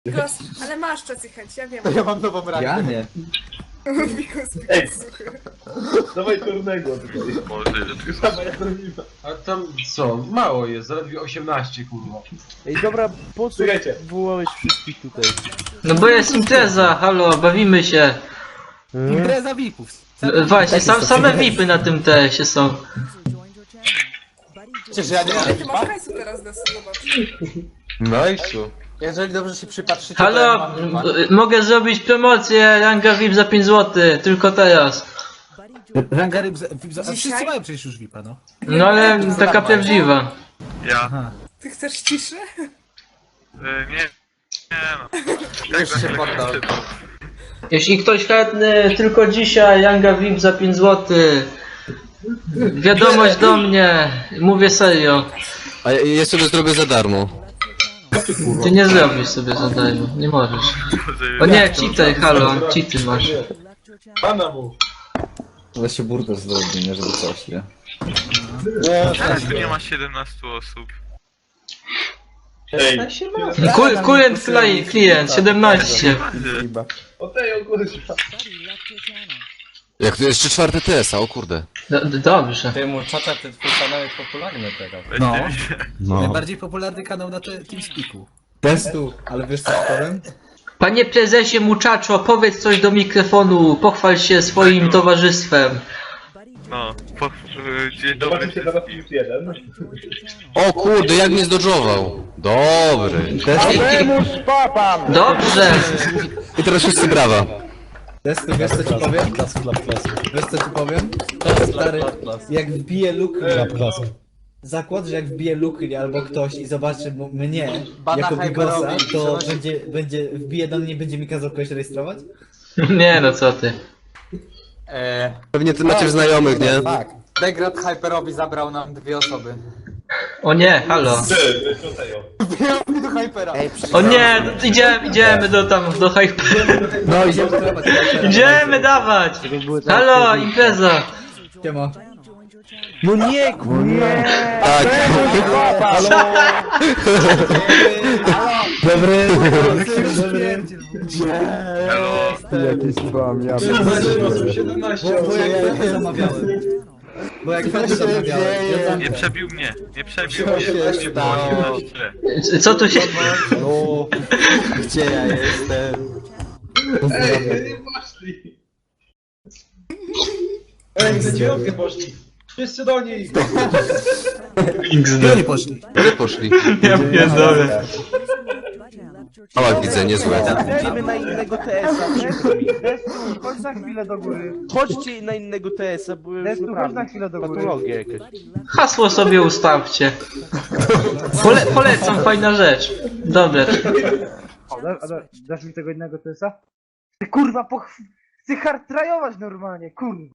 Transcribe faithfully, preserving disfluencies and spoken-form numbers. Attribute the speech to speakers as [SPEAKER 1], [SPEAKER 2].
[SPEAKER 1] Bigos, ale masz czas i chęć, ja wiem.
[SPEAKER 2] To ja mam nową rangę.
[SPEAKER 3] Ja nie.
[SPEAKER 1] Bigos,
[SPEAKER 2] Ej.
[SPEAKER 1] Bigos, suchy.
[SPEAKER 2] Dawaj turnego tutaj.
[SPEAKER 4] Może ile tych
[SPEAKER 2] Sama jak robimy.
[SPEAKER 5] A tam co? Mało jest, zaledwie osiemnaście kurwa.
[SPEAKER 6] Ej, dobra, po co
[SPEAKER 2] Czekajcie.
[SPEAKER 6] wołałeś wszystkich tutaj?
[SPEAKER 7] No bo jest impreza, halo, bawimy się.
[SPEAKER 3] Impreza V I P-ów.
[SPEAKER 7] No, właśnie, sam, same V I P-y na tym T S-ie są.
[SPEAKER 2] Przecież ja nie mam
[SPEAKER 1] Ale ty masz
[SPEAKER 2] VIPa?
[SPEAKER 1] hajsu teraz, Desu, zobacz.
[SPEAKER 5] Nice.
[SPEAKER 2] Jeżeli dobrze się przypatrzycie, to ja
[SPEAKER 7] Halo,
[SPEAKER 2] mam
[SPEAKER 7] m-
[SPEAKER 2] VIPa.
[SPEAKER 7] mogę zrobić promocję ranga V I P za pięć złotych, tylko teraz.
[SPEAKER 3] Ranga ryb, za- V I P, za- a wszyscy
[SPEAKER 1] Dzisiaj?
[SPEAKER 3] mają przecież już V I P-a, no.
[SPEAKER 7] No ale taka prawdziwa.
[SPEAKER 4] Ja.
[SPEAKER 1] Ty chcesz ciszy?
[SPEAKER 4] Y, nie. Nie no.
[SPEAKER 2] Już się poddał.
[SPEAKER 7] Jeśli ktoś chętny, tylko dzisiaj ranga V I P za pięć złotych. Wiadomość do mnie, mówię serio.
[SPEAKER 8] A ja, ja sobie zrobię za darmo.
[SPEAKER 7] Ty nie zrobisz sobie za darmo, nie możesz. O nie, cheater, halo, cheaty masz.
[SPEAKER 5] Pana mu.
[SPEAKER 3] Ale się burda zrobi, nie, żeby coś, nie?
[SPEAKER 4] Teraz tu nie ma siedemnastu osób.
[SPEAKER 2] Ej,
[SPEAKER 7] Ku- Current fly, klient, siedemnaście.
[SPEAKER 2] o tej ogólnie.
[SPEAKER 8] Jak to jeszcze czwarte T S a, o kurde.
[SPEAKER 7] Do, do, dobrze.
[SPEAKER 9] Ty mu czacza, ten twój kanał jest popularny teraz.
[SPEAKER 3] No.
[SPEAKER 8] No.
[SPEAKER 3] Najbardziej popularny kanał na te- TeamSpeaku. Testu, ale wiesz co powiem?
[SPEAKER 7] Panie prezesie Muczaczo, powiedz coś do mikrofonu, pochwal się swoim towarzystwem.
[SPEAKER 4] No. Po, y, dzień dobry
[SPEAKER 2] Zobaczymy się teraz
[SPEAKER 4] wszystkim.
[SPEAKER 2] plus jeden.
[SPEAKER 8] O kurde, jak mnie zdodżował. Dobry.
[SPEAKER 7] Dobrze.
[SPEAKER 8] I teraz wszyscy brawa.
[SPEAKER 3] Testu, wiesz co ci powiem? Wiesz co ci powiem? Stary, jak wbije luk... Zakład, że jak wbije lukli albo ktoś i zobaczy m- mnie
[SPEAKER 2] Bana
[SPEAKER 3] jako Bigosa,
[SPEAKER 2] Hyperowi,
[SPEAKER 3] to
[SPEAKER 2] przenosi-
[SPEAKER 3] będzie, będzie, wbije do mnie, będzie mi kazał kogoś rejestrować?
[SPEAKER 7] Nie no, co ty.
[SPEAKER 2] Eee,
[SPEAKER 8] Pewnie ty macie znajomych, nie?
[SPEAKER 3] Tak.
[SPEAKER 2] Degrad Hyperowi zabrał nam dwie osoby.
[SPEAKER 7] O nie, halo.
[SPEAKER 2] Wbijamy do Hypera.
[SPEAKER 7] O nie, no, idziemy, idziemy do tam, do hype.
[SPEAKER 3] No idziemy sklepać.
[SPEAKER 7] Idziemy dawać. Halo, impreza.
[SPEAKER 3] Siema.
[SPEAKER 6] No nie, kurwa!
[SPEAKER 8] Tak.
[SPEAKER 3] Dobry. Dobry.
[SPEAKER 4] Hello.
[SPEAKER 6] Jakiś spam, ja
[SPEAKER 5] siedemnaście
[SPEAKER 3] Bo, bo jak wtedy zamawiałem. Bo jak wtedy zamawiałem. Ja
[SPEAKER 4] Nie
[SPEAKER 3] tam...
[SPEAKER 4] przebił mnie. Nie przebił
[SPEAKER 2] Co
[SPEAKER 4] mnie.
[SPEAKER 2] się
[SPEAKER 4] Nie było
[SPEAKER 2] stało?
[SPEAKER 4] osiemnaście.
[SPEAKER 7] Co tu się...
[SPEAKER 3] No,
[SPEAKER 2] Gdzie ja jestem?
[SPEAKER 5] Ej, nie poszli. Ej, za dziewiątkę poszli. Wszyscy do nich.
[SPEAKER 3] gdzie oni poszli?
[SPEAKER 8] Gdzie poszli?
[SPEAKER 7] Ja pierdolę.
[SPEAKER 8] Mała widzę, niezłe.
[SPEAKER 6] Idziemy na innego T S a, przykro mi.
[SPEAKER 10] Chodź na chwilę do góry.
[SPEAKER 6] Chodźcie na innego T S a, bo już
[SPEAKER 10] Destu, chodź
[SPEAKER 6] naprawdę
[SPEAKER 10] na chwilę do góry.
[SPEAKER 6] patologia jakaś.
[SPEAKER 7] Hasło sobie ustawcie. Pole, polecam, fajna rzecz. Dobra.
[SPEAKER 10] O, da, da, dasz mi tego innego T S a? Ty kurwa, poch... Chcę hardtrajować normalnie, kurwa.